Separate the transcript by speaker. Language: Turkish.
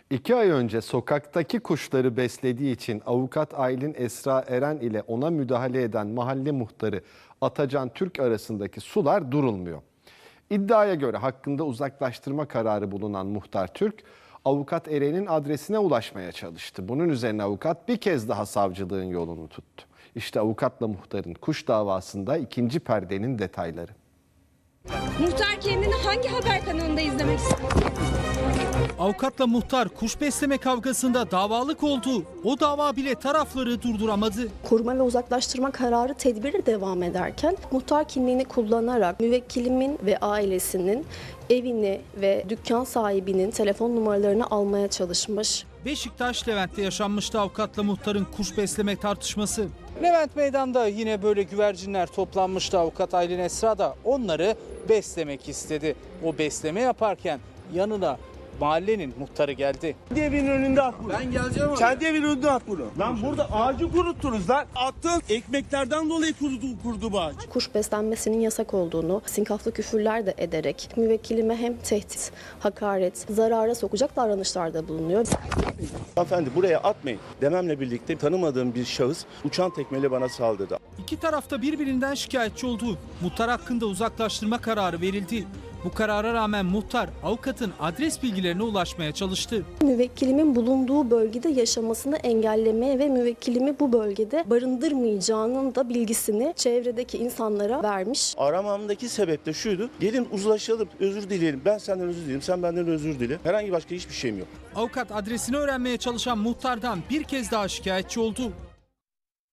Speaker 1: 2 ay önce sokaktaki kuşları beslediği için avukat Aylin Esra Eren ile ona müdahale eden mahalle muhtarı Atacan Türk arasındaki sular durulmuyor. İddiaya göre hakkında uzaklaştırma kararı bulunan muhtar Türk, avukat Eren'in adresine ulaşmaya çalıştı. Bunun üzerine avukat bir kez daha savcılığın yolunu tuttu. İşte avukatla muhtarın kuş davasında ikinci perdenin detayları.
Speaker 2: Muhtar kendini hangi haber kanalında izlemek ister?
Speaker 3: Avukatla muhtar kuş besleme kavgasında davalık oldu. O dava bile tarafları durduramadı.
Speaker 4: Koruma ve uzaklaştırma kararı tedbiri devam ederken muhtar kimliğini kullanarak müvekkilimin ve ailesinin evini ve dükkan sahibinin telefon numaralarını almaya çalışmış.
Speaker 3: Beşiktaş Levent'te yaşanmıştı avukatla muhtarın kuş besleme tartışması. Levent Meydan'da yine böyle güvercinler toplanmıştı. Avukat Aylin Esra da onları beslemek istedi. O besleme yaparken yanına mahallenin muhtarı geldi.
Speaker 5: Kendi evinin önünde at bunu.
Speaker 6: Ben geleceğim abi.
Speaker 5: Kendi evinin önünde at bunu. Lan burada ağacı kuruttunuz lan. Attığın ekmeklerden dolayı kurudu bu ağaç.
Speaker 4: Kuş beslenmesinin yasak olduğunu, sinkaflı küfürler de ederek müvekkilime hem tehdit, hakaret, zarara sokacak davranışlarda bulunuyor.
Speaker 7: Hanımefendi buraya atmayın dememle birlikte tanımadığım bir şahıs uçan tekmeyle bana saldırdı.
Speaker 3: İki tarafta birbirinden şikayetçi oldu. Muhtar hakkında uzaklaştırma kararı verildi. Bu karara rağmen muhtar avukatın adres bilgilerine ulaşmaya çalıştı.
Speaker 4: Müvekkilimin bulunduğu bölgede yaşamasını engellemeye ve müvekkilimi bu bölgede barındırmayacağının da bilgisini çevredeki insanlara vermiş.
Speaker 7: Aramamdaki sebep de şuydu: gelin uzlaşalım, özür dileyelim, ben senden özür dilerim, sen benden özür dile. Herhangi başka hiçbir şeyim yok.
Speaker 3: Avukat adresini öğrenmeye çalışan muhtardan bir kez daha şikayetçi oldu.